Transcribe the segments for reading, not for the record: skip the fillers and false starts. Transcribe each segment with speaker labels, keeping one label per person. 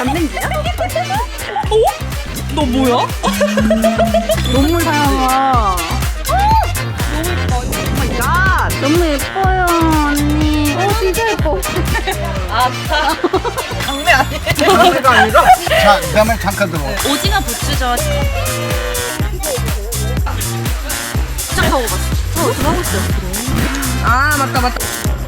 Speaker 1: 전등기야?
Speaker 2: 너 뭐야?
Speaker 1: 너무 사랑아.
Speaker 2: 오마이갓.
Speaker 1: 너무 예뻐요 언니. 진짜 예뻐.
Speaker 2: 아싸. 강매 아니에요?
Speaker 3: 강매가 아니라 자, 내 말 잠깐 들어.
Speaker 2: 오징어 부추죠.
Speaker 1: 시작하고 봤어. 들어가고 있어.
Speaker 2: 아 맞다 맞다.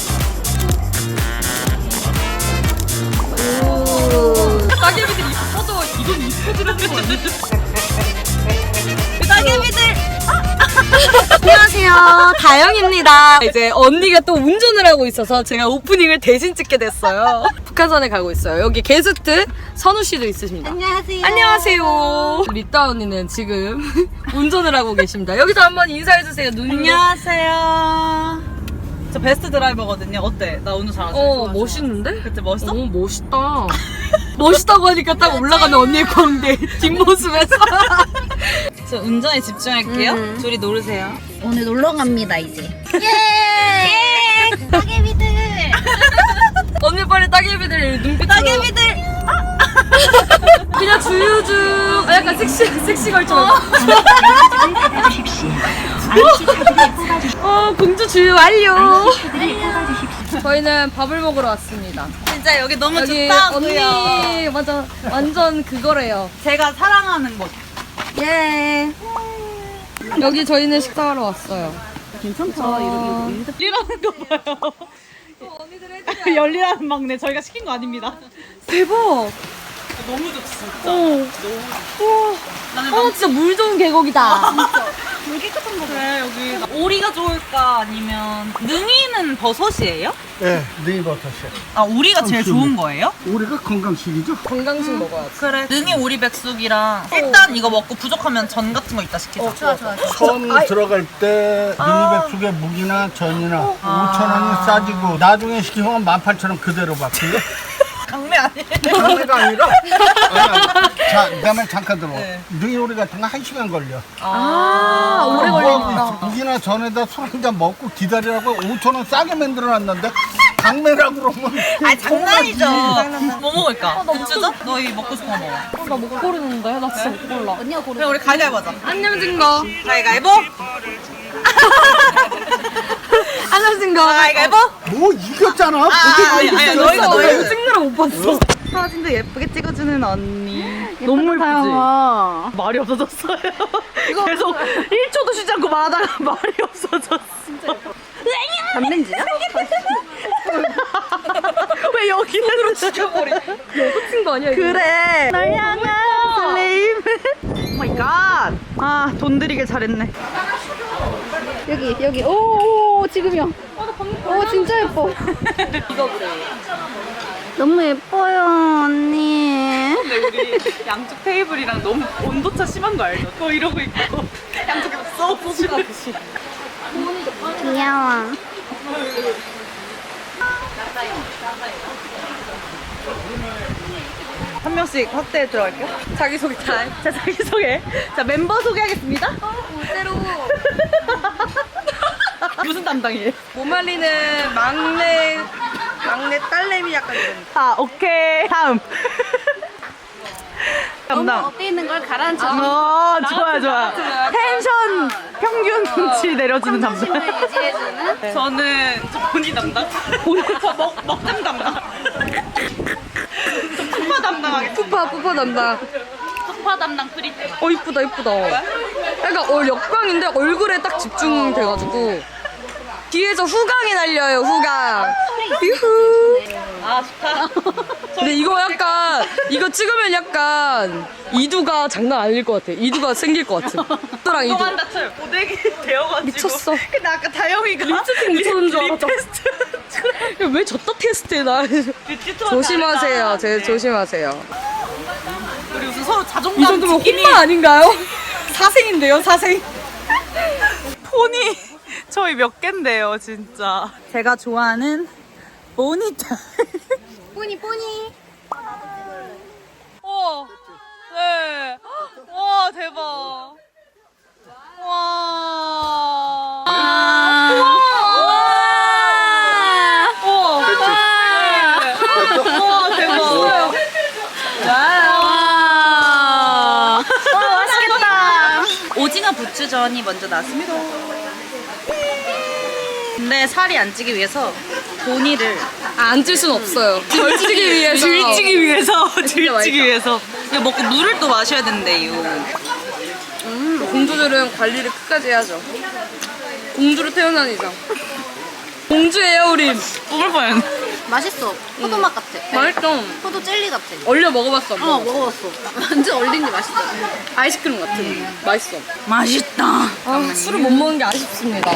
Speaker 2: 따개비들이 이뻐도 이건 이뻐지라는 거 아니야? 따개비들.
Speaker 4: 안녕하세요, 다영입니다. 이제 언니가 또 운전을 하고 있어서 제가 오프닝을 대신 찍게 됐어요. 북한산에 가고 있어요. 여기 게스트 선우 씨도 있으십니다.
Speaker 1: 안녕하세요.
Speaker 4: 안녕하세요. 리따 언니는 지금 운전을 하고 계십니다. 여기서 한번 인사해 주세요. 눈.
Speaker 2: 안녕하세요. 저 베스트 드라이버거든요. 어때? 나 오늘 잘하죠?
Speaker 4: 멋있는데?
Speaker 2: 그때 멋있어?
Speaker 4: 오, 멋있다. 멋있다고 하니까 딱 올라가는 언니의 광대 뒷모습에서.
Speaker 2: 저 운전에 집중할게요. 둘이 노르세요.
Speaker 1: 오늘 놀러 갑니다 이제. 예. 따개비들.
Speaker 4: 언니 빨리 따개비들 눈빛.
Speaker 2: 따개비들.
Speaker 4: 그냥 주유주. 약간 섹시 걸쳐. 공주 주유 완료. 저희는 밥을 먹으러 왔습니다.
Speaker 2: 진짜 여기 너무
Speaker 4: 여기
Speaker 2: 좋다고요.
Speaker 4: 언니 맞아 완전 그거래요.
Speaker 2: 제가 사랑하는 곳.
Speaker 4: 예. 여기 저희는 식사하러 왔어요.
Speaker 1: 괜찮다.
Speaker 2: 열리라는 거 봐요.
Speaker 4: 언니들 해주세요.
Speaker 2: 열리라는 막내 저희가 시킨 거 아닙니다.
Speaker 4: 대박.
Speaker 2: 너무 좋지 진짜.
Speaker 4: 우와.
Speaker 2: 나는
Speaker 4: 진짜 물 좋은 계곡이다.
Speaker 2: 물 깨끗한 거 그래 여기. 오리가 좋을까 아니면 능이는 버섯이에요?
Speaker 3: 예, 네 버섯이요.
Speaker 2: 아 오리가 제일 좋은 거예요?
Speaker 3: 우리가 건강식이죠.
Speaker 4: 건강식 먹어야지.
Speaker 2: 그래. 능이 오리 백숙이랑 일단 이거 먹고 부족하면 전 같은 거 이따 시키자.
Speaker 1: 좋아.
Speaker 3: 처음 들어갈 때 능이백숙의 무기나 전이나 5,000원이 싸지고 나중에 시키면 18,000원 그대로 받고요.
Speaker 2: 강매 아니에요?
Speaker 3: 강매가 아니라 자, 내 말 잠깐 들어.
Speaker 2: 네.
Speaker 3: 능이오리 같은 거 1시간 걸려.
Speaker 4: 오래
Speaker 3: 걸리니까. 무기나 전에다 술 한 잔 먹고 기다리라고 5,000원 싸게 만들어놨는데 강매라고 그러면
Speaker 2: 아 장난이죠. 뭐 먹을까? 부추죠? 너 이거 먹고 싶은 거 먹어.
Speaker 4: 나 못 고르는데? 나 진짜 못 골라.
Speaker 1: 언니가 고르.
Speaker 2: 그럼 우리 가위바위보 하자.
Speaker 4: 안녕진 거.
Speaker 2: 가위바위보?
Speaker 4: 안녕진 거.
Speaker 2: 가위바위보?
Speaker 3: 뭐 이겼잖아.
Speaker 2: 아니 너희가
Speaker 4: 너무 찍느라 못 봤어.
Speaker 2: 사진도 예쁘게 찍어주는 언니.
Speaker 1: 너무 사랑아.
Speaker 2: 말이 없어졌어요. 계속 1초도 쉬지 않고 말하다가 말이 없어졌어.
Speaker 1: 전등기야?
Speaker 2: 왜 여기는
Speaker 4: 죽여버리. 놓친 거 아니야? 이거?
Speaker 2: 그래. 널 향한 설레임. 오 마이 갓. 아, 돈 들이길 잘했네.
Speaker 1: 여기. 오 지금이요. 오 진짜 예뻐.
Speaker 4: 이거 그래.
Speaker 1: 너무 예뻐요 언니.
Speaker 2: 근데 우리 양쪽 테이블이랑 너무 온도차 심한 거 알죠? 또 이러고 있고 양쪽에서 소스.
Speaker 1: 귀여워.
Speaker 2: 한 명씩 확대해 들어갈게요. 자기소개 타임. 자, 자기소개. 자, 멤버 소개하겠습니다.
Speaker 4: 새로
Speaker 2: 무슨 담당이에요?
Speaker 4: 못 말리는 막내 딸내미 약간 이런.
Speaker 2: 아, 오케이. 다음.
Speaker 1: 너무
Speaker 2: 담당.
Speaker 1: 업돼 있는 걸 가라앉혀.
Speaker 2: 좋아. 텐션 평균치 내려주는 담당.
Speaker 1: 신을 유지해주는.
Speaker 2: 저는 본인 담당. 저 먹장 담당. 푸파 담당하겠습니다.
Speaker 4: 푸파 담당.
Speaker 2: 푸파 담당 프리트.
Speaker 4: 이쁘다. 약간 역광인데 얼굴에 딱 집중돼가지고 뒤에서 후광이 날려요. 후광. 유후.
Speaker 2: 아, 좋다.
Speaker 4: 근데 이거 찍으면 약간 이두가 장난 아닐 것 같아. 이두가 생길 것 같아. 또랑 이두.
Speaker 2: 동안 다쳐요. 고데기 되어가지고.
Speaker 4: 미쳤어.
Speaker 2: 근데 아까 다영이가
Speaker 4: 립스틱 묻혀놓은 줄 알았다.
Speaker 2: 테스트.
Speaker 4: 왜 졌다 테스트해 나.
Speaker 2: 뷰티 투어
Speaker 4: 조심하세요.
Speaker 2: 잘했다.
Speaker 4: 조심하세요.
Speaker 2: 우리 무슨 서로 자존감
Speaker 4: 이 정도면
Speaker 2: 지킴이
Speaker 4: 혼마 아닌가요? 사생인데요, 사생.
Speaker 2: 폰이 저희 몇 갠데요, 진짜. 제가 좋아하는 모니터.
Speaker 1: 뿌니.
Speaker 2: 네. 와, 대박. 와. 와, 대박. 부추전이 먼저 나왔습니다. 근데 살이 안 찌기 위해서 보니를
Speaker 4: 안 찔 순 없어요. 들찌기 위해서.
Speaker 2: 들찌기 위해서
Speaker 4: 맛있다.
Speaker 2: 들찌기 위해서 이거 먹고 물을 또 마셔야 된대요.
Speaker 4: 공주들은 관리를 끝까지 해야죠. 공주로 태어난 이상. 공주예요, 우린.
Speaker 2: 뿜을 뻔.
Speaker 1: 맛있어. 포도 맛 같아.
Speaker 4: 맛있어.
Speaker 1: 포도 젤리 같아.
Speaker 4: 얼려 먹어봤어. 안 먹어봤어?
Speaker 1: 먹어봤어. 완전 얼린 게 맛있어.
Speaker 4: 아이스크림 같은. 맛있어.
Speaker 2: 맛있다.
Speaker 4: 아, 술을 못 먹는 게 아쉽습니다.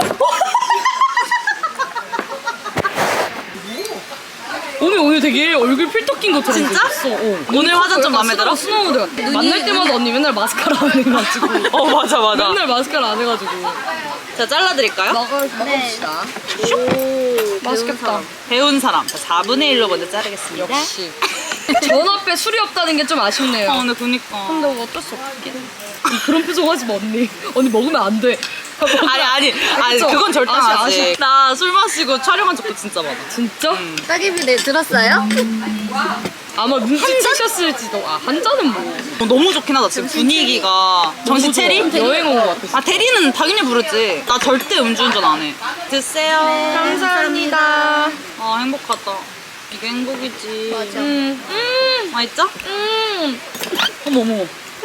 Speaker 4: 오늘 되게 얼굴 필터 낀 것처럼
Speaker 2: 진짜?
Speaker 4: 생겼어.
Speaker 2: 오늘 화장 좀 마음에 들어?
Speaker 4: 스노우드 같아. 만날 때마다 언니 맨날 마스카라 안 해가지고.
Speaker 2: 맞아.
Speaker 4: 맨날 마스카라 안 해가지고.
Speaker 2: 자, 잘라드릴까요?
Speaker 4: 먹읍시다. 오, 맛있겠다.
Speaker 2: 배운 사람. 자, 4분의 1로 먼저 자르겠습니다.
Speaker 4: 역시. 전 앞에 술이 없다는 게 좀 아쉽네요.
Speaker 2: 근데 그니까.
Speaker 4: 근데 뭐 어쩔 수 없긴 해. 그런 표정 하지 마, 언니. 언니 먹으면 안 돼.
Speaker 2: 아니,
Speaker 4: 그쵸?
Speaker 2: 그건 절대 안 하지.
Speaker 4: 아쉽.
Speaker 2: 나 술 마시고 촬영한 적도 진짜 많아.
Speaker 4: 진짜?
Speaker 1: 따개비 네 들었어요?
Speaker 4: 아마 눈치채셨을지도. 아, 한 잔은 뭐.
Speaker 2: 너무 좋긴 하다. 지금 분위기가. 정신 체리?
Speaker 4: 여행 온 것 같아.
Speaker 2: 아, 대리는 당연히 부르지. 나 절대 음주운전 안 해. 드세요.
Speaker 4: 감사합니다.
Speaker 2: 아, 행복하다. 이게 행복이지.
Speaker 1: 맞아.
Speaker 2: 맛있죠?
Speaker 4: 어머.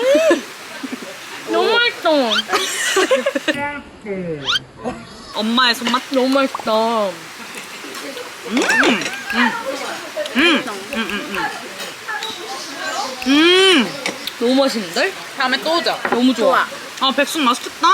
Speaker 4: 너무 맛있어.
Speaker 2: 엄마의 손맛?
Speaker 4: 너무 맛있다. 너무 맛있는데?
Speaker 2: 다음에 또 오자.
Speaker 4: 너무 좋아.
Speaker 2: 아, 백숙 맛있겠다.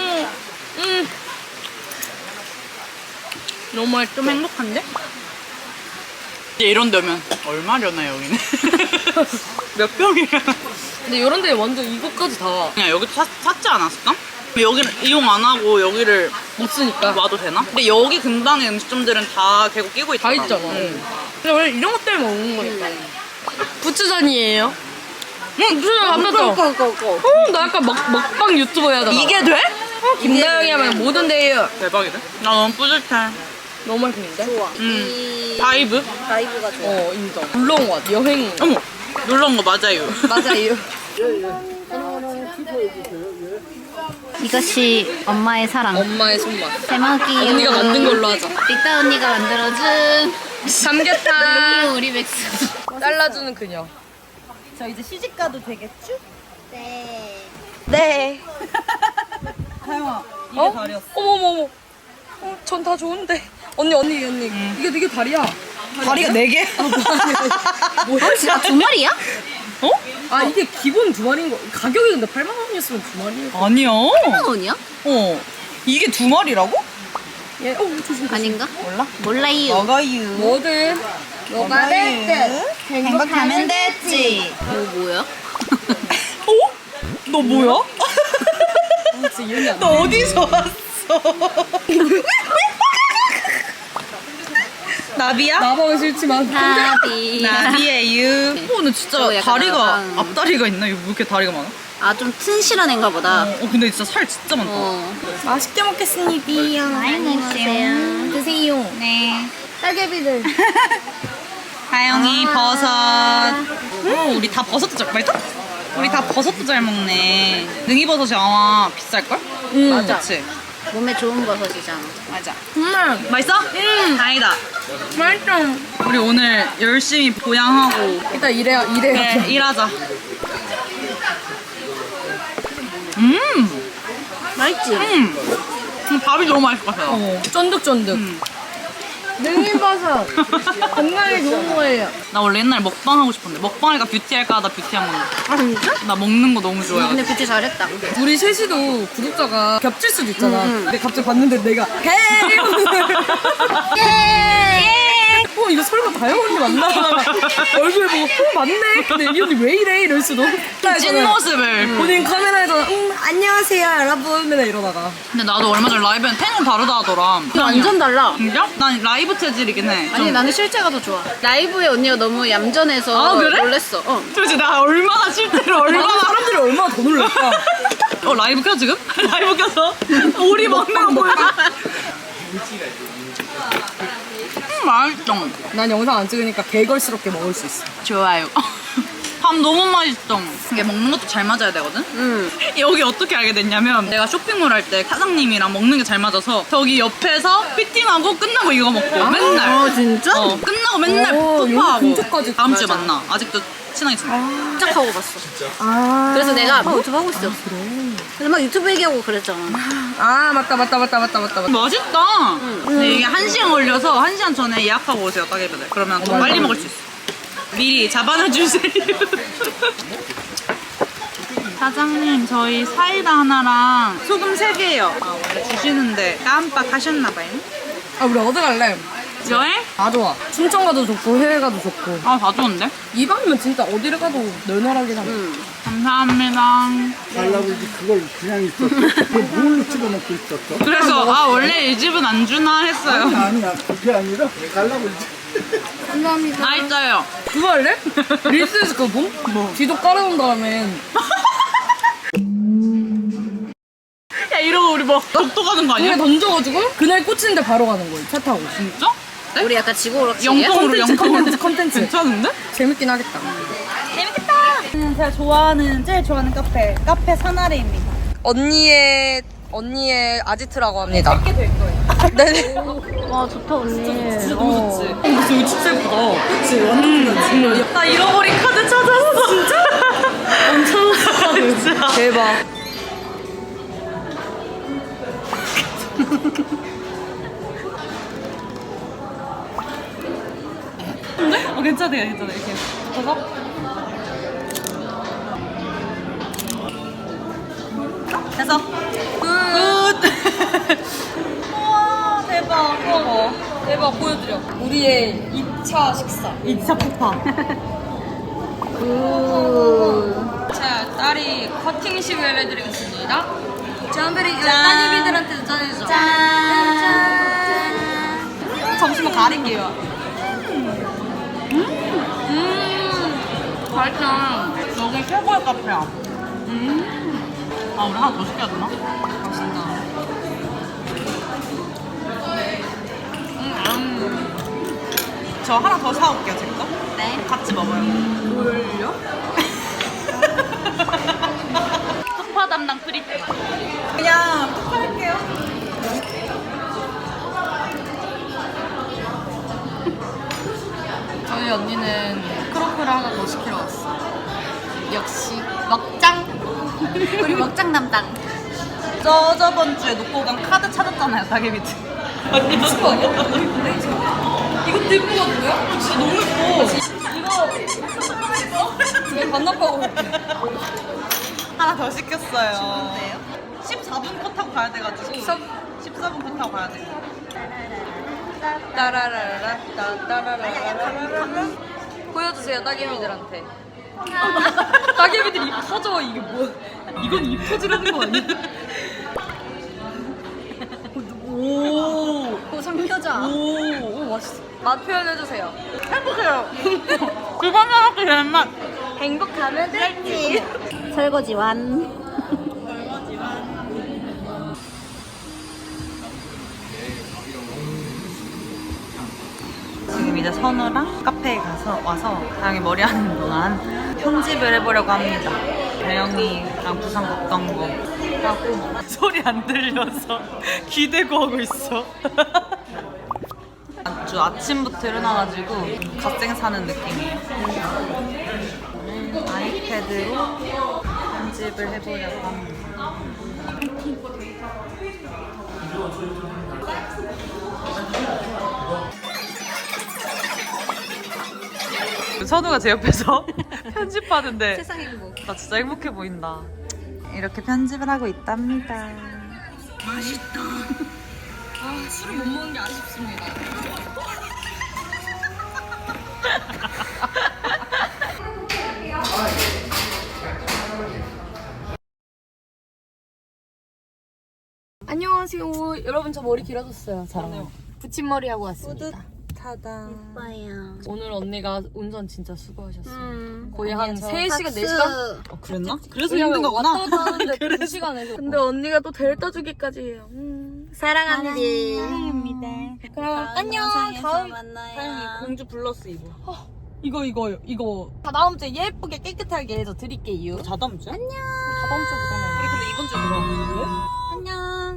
Speaker 4: 너무 맛있어.
Speaker 2: 좀 행복한데? 이제 이런 데면 얼마려나 여기는? 몇 병이야?
Speaker 4: 근데 이런 데 완전 이것까지 다 못
Speaker 2: 그냥 여기도 샀지 않았을까? 여기를 이용 안 하고 여기를
Speaker 4: 쓰니까.
Speaker 2: 와도 되나? 근데 여기 근방의 음식점들은 다 계속 끼고
Speaker 4: 다
Speaker 2: 있잖아.
Speaker 4: 있잖아. 근데 원래 이런 것 때문에 먹는 거니까. 부추전이에요. 부추전 맞았죠? 나 약간 먹방 유튜버 해야 되나?
Speaker 2: 이게 돼?
Speaker 4: 김나영이 하면 뭐든 돼요.
Speaker 2: 대박이다. 나 너무 뿌듯해.
Speaker 4: 너무 맛있는데?
Speaker 1: 좋아.
Speaker 2: 바이브?
Speaker 1: 바이브가 좋아.
Speaker 4: 인정. 놀러 온 거 같아. 여행.
Speaker 2: 어머, 놀러 온 거 맞아요.
Speaker 4: 맞아요.
Speaker 1: 이것이 엄마의 사랑.
Speaker 4: 엄마의 손맛.
Speaker 1: 대박이.
Speaker 4: 언니가 만든 걸로 하자.
Speaker 1: 리따 언니가 만들어준
Speaker 4: 삼계탕.
Speaker 1: 우리 백수.
Speaker 4: 잘라주는 그녀.
Speaker 2: 저 이제 시집 가도 되겠지?
Speaker 1: 네.
Speaker 4: 네.
Speaker 2: 다영아, 이게
Speaker 4: 어?
Speaker 2: 다리였어.
Speaker 4: 어머머머. 전 다 좋은데. 언니. 이게 다리야.
Speaker 2: 다리가 4개?
Speaker 4: 뭐야?
Speaker 1: 진짜 두 마리야?
Speaker 2: 어?
Speaker 4: 아, 이게 기본 두 마리인 거. 가격이 근데 8만 원이었으면 두 마리.
Speaker 2: 아니야.
Speaker 1: 8만 원이야?
Speaker 2: 이게 2마리라고?
Speaker 4: 예. 조심.
Speaker 1: 아닌가?
Speaker 2: 몰라?
Speaker 1: 몰라요.
Speaker 2: 먹어요.
Speaker 4: 뭐든.
Speaker 1: 뭐가 됐든
Speaker 2: 행복하면 됐지.
Speaker 1: 뭐야?
Speaker 2: 어? 너 뭐야?
Speaker 4: 진짜 이해이 안 돼.
Speaker 2: 너 어디서 왔어? 나비야?
Speaker 4: 나방은 싫지만.
Speaker 1: 나비.
Speaker 2: 나비예요. 근데 진짜
Speaker 1: 저 약간
Speaker 2: 다리가
Speaker 1: 나방.
Speaker 2: 앞다리가 있나? 이거 왜 이렇게 다리가 많아?
Speaker 1: 아, 좀 튼실한 애인가 보다.
Speaker 2: 근데 진짜 살 진짜 많다.
Speaker 4: 맛있게 먹겠습니다.
Speaker 1: 안녕하세요. 드세요. 네. 딸개비들.
Speaker 2: 다영이 버섯. 우리 다 버섯도 잘 맛있다? 우리 다 버섯도 잘 먹네. 능이버섯이 아마 비쌀걸?
Speaker 1: 맞아.
Speaker 2: 그치?
Speaker 1: 몸에 좋은 버섯이잖아.
Speaker 2: 맞아. 맛있어? 다행이다.
Speaker 4: 맛있어.
Speaker 2: 우리 오늘 열심히 보양하고
Speaker 4: 일단 일해요.
Speaker 2: 네, 일하자.
Speaker 1: 맛있지?
Speaker 2: 밥이 너무 맛있을 것 같아요.
Speaker 4: 쫀득쫀득. 능이버섯. 건강에 좋은 거예요.
Speaker 2: 나 원래 옛날에 먹방 하고 싶었는데 먹방이니까 뷰티 할까 하다 뷰티 한 건데.
Speaker 1: 아, 진짜?
Speaker 2: 나 먹는 거 너무 좋아해.
Speaker 1: 근데 뷰티 잘했다.
Speaker 4: 우리 셋이도 구독자가 겹칠 수도 있잖아. 근데 갑자기 봤는데 내가 헤이! 이거 설마 다영 언니 맞나? 얼굴 보고 맞네? 근데 이 언니 왜 이래? 이럴 수도.
Speaker 2: 찐 모습을.
Speaker 4: 본인 카메라에서 안녕하세요 여러분 맨날 이러다가.
Speaker 2: 근데 나도 얼마 전에 라이브는 텐션 다르다 하더라.
Speaker 1: 완전 달라.
Speaker 2: 진짜? 난 라이브 체질이긴 해.
Speaker 1: 아니, 나는 실제가 더 좋아. 라이브에 언니가 너무 얌전해서
Speaker 2: 아, 그래?
Speaker 1: 놀랬어.
Speaker 2: 도대체 나 얼마나 실제로 얼마나
Speaker 4: 사람들이 얼마나 더 놀랄까?
Speaker 2: 라이브 켜 지금? 라이브 켜서 오리 먹는 거 보여. 맛있어.
Speaker 4: 난 영상 안 찍으니까 개걸스럽게 먹을 수 있어.
Speaker 2: 좋아요. 밥 너무 맛있어. 이게 먹는 것도 잘 맞아야 되거든? 여기 어떻게 알게 됐냐면 내가 쇼핑몰 할 때 사장님이랑 먹는 게 잘 맞아서 저기 옆에서 피팅하고 끝나고 이거 먹고 맨날.
Speaker 1: 진짜?
Speaker 2: 끝나고 맨날
Speaker 4: 오,
Speaker 2: 뽀뽀하고.
Speaker 4: 이거 근처까지.
Speaker 2: 다음 주에
Speaker 1: 맞아.
Speaker 2: 만나. 아직도 친하게 지내.
Speaker 1: 짝 하고 갔어. 그래서 내가 막 유튜브 하고 있어. 그래서 막 유튜브 얘기하고 그랬잖아.
Speaker 4: 아 맞다.
Speaker 2: 맛있다. 근데 이게 1시간 걸려서 1시간 전에 예약하고 오세요, 따개비들. 그러면 더 빨리 먹을 수 있어. 미리 잡아놔주세요. 사장님, 저희 사이다 하나랑 소금 3개요. 원래 주시는데 깜빡하셨나봐요.
Speaker 4: 아 우리 어디 갈래?
Speaker 2: 여행?
Speaker 4: 다 좋아. 춘천 가도 좋고 해외 가도 좋고.
Speaker 2: 아, 다 좋은데?
Speaker 4: 이방이면 진짜 어디를 가도 널널하게 사.
Speaker 2: 감사합니다.
Speaker 3: 갈라불지 그걸 그냥 있었어. 그걸 뭘로 찍어 먹고 있었어?
Speaker 2: 그래서 아, 원래 이 집은 안 주나 했어요.
Speaker 3: 아니야 그게 아니라 갈라불지.
Speaker 1: 감사합니다.
Speaker 2: 맛있어요.
Speaker 4: 그거 할래? 릴스에서 그거 뭐? 지도 깔아놓은 다음에
Speaker 2: 야, 이러고 우리 뭐 독도 가는 거
Speaker 4: 그냥
Speaker 2: 아니야?
Speaker 4: 던져가지고 그날 꽂히는데 바로 가는 거예요. 차 타고.
Speaker 2: 진짜?
Speaker 1: 우리 약간 지구오락실이야?
Speaker 2: 영통으로
Speaker 4: 컨텐츠.
Speaker 2: 괜찮은데?
Speaker 4: 재밌긴 하겠다.
Speaker 2: 제가 제일 좋아하는 카페 사나리입니다.
Speaker 4: 언니의 아지트라고 합니다. 짧게 될 거예요. 네네.
Speaker 1: 와 좋다 언니.
Speaker 4: 진짜 너무 좋지. 근데 여기 진짜 예쁘다. 그치 완전
Speaker 2: 나 잃어버린 카드 찾았어. 진짜?
Speaker 4: 엄청 진짜. 대박.
Speaker 2: 괜찮아요. 이렇게 붙어서. 됐어. 굿.
Speaker 4: 우와 대박. 대박 보여드려. 우리의 2차 식사.
Speaker 2: 2차 폭파.
Speaker 4: 자 딸이 커팅식을 해드리겠습니다.
Speaker 1: 짠베리
Speaker 2: 짠.
Speaker 1: 따개비들한테도 전해줘.
Speaker 4: 잠시만 가릴게요.
Speaker 1: 맛있다.
Speaker 2: 여기 최고의 카페야. 아, 우리 하나 더 시켜야 되나?
Speaker 4: 맛있다.
Speaker 2: 저 하나 더 사올게요, 제 거.
Speaker 1: 네.
Speaker 2: 같이 먹어요.
Speaker 4: 뭘요?
Speaker 2: 폭파 담당 프리트. 그냥 폭파할게요.
Speaker 4: 저희 언니는 크로플을 하나 더 시키러 왔어.
Speaker 1: 역시 먹장. 우리 먹장 담당.
Speaker 2: 저번 주에 놓고 간 카드 찾았잖아요, 따개비들.
Speaker 4: 아니 미친 거 아니야? 이것도 예쁜 거 같은데요? 진짜 너무 예뻐. 이거 반납하고 올게.
Speaker 2: 하나 더 시켰어요. 14분 컷 타고 가야 돼가지고. 14분 컷 타고 가야 돼.
Speaker 4: 따라라라 따라라라 보여주세요 따개비들한테. 따개비들 입 터져. 이게 뭐? 이건 입 터지라는 거 아니야? 오
Speaker 1: 상여자.
Speaker 4: 오, 맛있어. 맛 표현해주세요.
Speaker 2: 행복해요. 그거 먹기 되는 맛.
Speaker 1: 행복하면 됐지. 설거지 완.
Speaker 2: 지금 이제 선우랑 카페에 와서 다영이 머리 하는 동안 편집을 해보려고 합니다. 다영이랑 부산 갔던 거 하고 소리 안 들려서 기대고 하고 있어. 아주 아침부터 일어나가지고 갓생 사는 느낌이에요. 아이패드로 편집을 해보려고 합니다. 선우가 제 옆에서 편집하는데
Speaker 1: 세상 행복.
Speaker 2: 나 진짜 행복해 보인다. 이렇게 편집을 하고 있답니다.
Speaker 4: 아, 술을 못 먹는 게 아쉽습니다. 안녕하세요. 여러분 저 머리 길어졌어요. 자,
Speaker 1: 붙임머리 하고 왔습니다.
Speaker 2: 타다.
Speaker 1: 오빠야.
Speaker 4: 오늘 언니가 운전 진짜 수고하셨어요. 거의
Speaker 1: 아니야,
Speaker 4: 한
Speaker 1: 저
Speaker 4: 3시간,
Speaker 1: 박수.
Speaker 4: 4시간?
Speaker 2: 그랬나? 그래서 힘든 거구나.
Speaker 4: 왔다 갔다 하는데 2시간 해서. 근데 언니가 또 데려다 주기까지 해요.
Speaker 1: 사랑합니다.
Speaker 2: 사랑입니다.
Speaker 4: 그럼 안녕.
Speaker 1: 영상에서
Speaker 4: 다음
Speaker 1: 만나요.
Speaker 4: 다행히 공주 블러스 입어. 이거 다다음 주에 예쁘게 깨끗하게 해서 드릴게요.
Speaker 2: 다다음 주에?
Speaker 4: 다다음 주부터는
Speaker 2: 우리 근데 이번 주에 들어왔는데?